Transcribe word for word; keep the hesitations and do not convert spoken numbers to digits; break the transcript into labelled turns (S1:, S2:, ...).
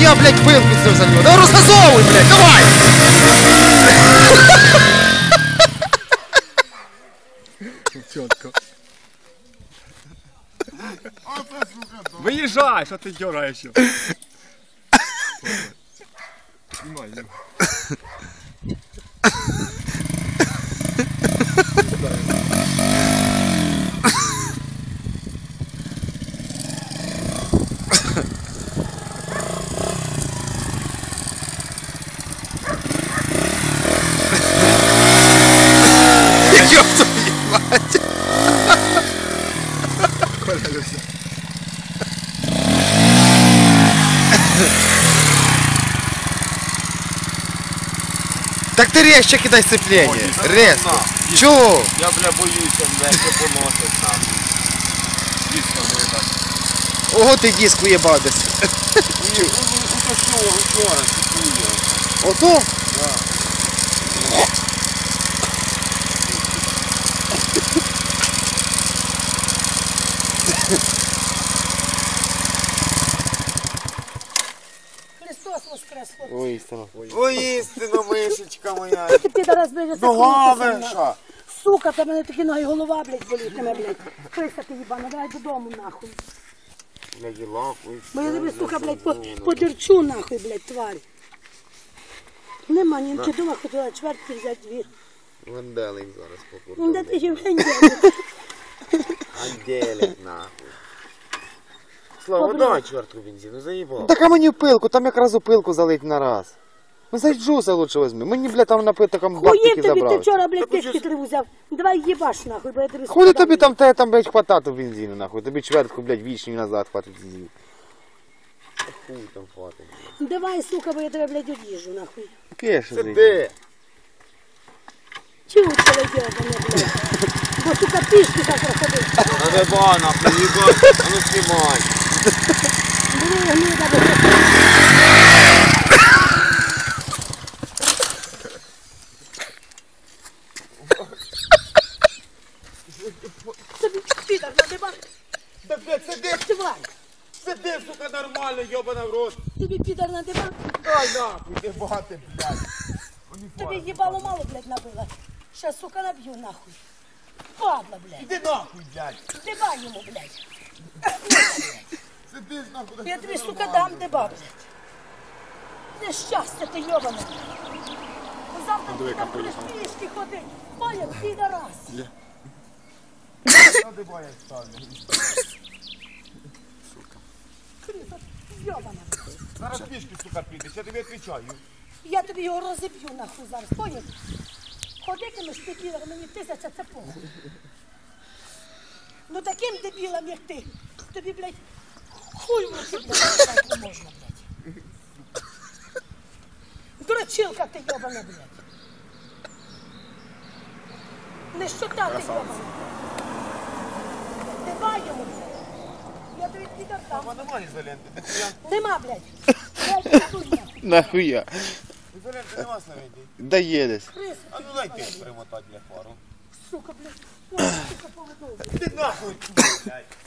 S1: я, блядь, пилку це за нього. Давай розгазовуй, блядь, давай!
S2: Чітко. Виїжджай, що ти дергаєш? Знімай, знімай.
S1: Ёб твою мать! Так ти резче кидай сцепление, резко. Чого?
S3: Я, бля, боюся, бля, що поносить нам. Дійсно, не так.
S1: Ого, ти диск уєбав десь.
S3: Ні, ну що, вчора, тікує.
S1: Ото?
S3: Так.
S4: Христос воскрес, хлопці.
S1: Ой, істина.
S3: Ой, істина, мишечка моя.
S4: Ти підарас, блядь,
S3: Нога
S4: закрутися,
S3: виша.
S4: сука, та мене такі ноги, голова, блядь, болітиме, блядь. Крися ти їбана, давай додому, нахуй.
S3: Блядь, і лапу.
S4: Бо я тебе, сука, блядь, по, подерчу, нахуй, блядь, тварь. Нема німки дома, хотіла чвертки взяти дві.
S3: Венделик зараз покупив.
S4: Ну, де ти ще блядь,
S3: Анделик, нахуй. Слава,
S4: Добре.
S3: дай чвертку бензину, заїбав.
S1: Так а мені пилку, там якраз у пилку залить на раз. Ну зайджуса лучше возьми. Мені, блядь, там на там
S4: Хуєм
S1: бактики
S4: тобі, ти
S1: забрали.
S4: вчора, блядь, пішки три взяв. Давай їбаш, нахуй, бо я тобі
S1: Хули
S4: сказав,
S1: тобі там, те там, блядь, хватати бензину, нахуй. Тобі чвертку, блядь, вічні назад хватить бензину.
S3: Хуй там хватить.
S4: Давай, сука, бо я тебе, блядь, одіжу, нахуй.
S1: Кеша,
S3: Сиди.
S4: Чого ти тебе йобане, блядь? Бо, сука, пішки так проходить.
S3: А не ба, нахуй, їбать. А ну знімай.
S4: Бери, гнида, блядь. Тобі підар надибав,
S3: Так, блядь, сиди,
S4: тварь.
S3: сиди, сука, нормально, йобана в рот.
S4: Тобі підар надибав.
S3: Дай нахуй, ти бати, блядь.
S4: Тобі їбало мало, блядь, набила. Ще, сука, наб'ю, нахуй. Падла, блядь.
S3: Іди нахуй, блядь.
S4: Дибай йому, блядь.
S3: Сиди, нахуй.
S4: Я тобі, сука, дам диба, блядь. Нещастя ти йобане. Завтра ти там будеш пішки ходити. Поняв, підарас.
S3: Надо боя ставлю.
S4: Кріса, йобана.
S3: Зараз пішки, сука, підеш, я тобі відповідаю.
S4: Я тобі його розіб'ю, нахуй, зараз. Поняв? Ходитимеш ти, підар, мені тисяча це похуй. Ну таким дебілам, як ти, тобі, блядь, хуй в руки, блядь, не можна, блядь. Дурачилка ти йобана, блядь. Не щота ти йобана. Давай йому, блядь. Я тобі підар
S3: А
S4: дам.
S3: немає ізоленти, нихуя.
S4: Нема, блядь. Блядь, хуй нахуй.
S1: Нахуя?
S3: Ізоленти нема снаряді.
S1: Да їдеш.
S4: Крису,
S3: А ну дай ти примотати для фару.
S4: сука, блядь. Ой, сука, поведовуй.
S3: Іди нахуй, блядь.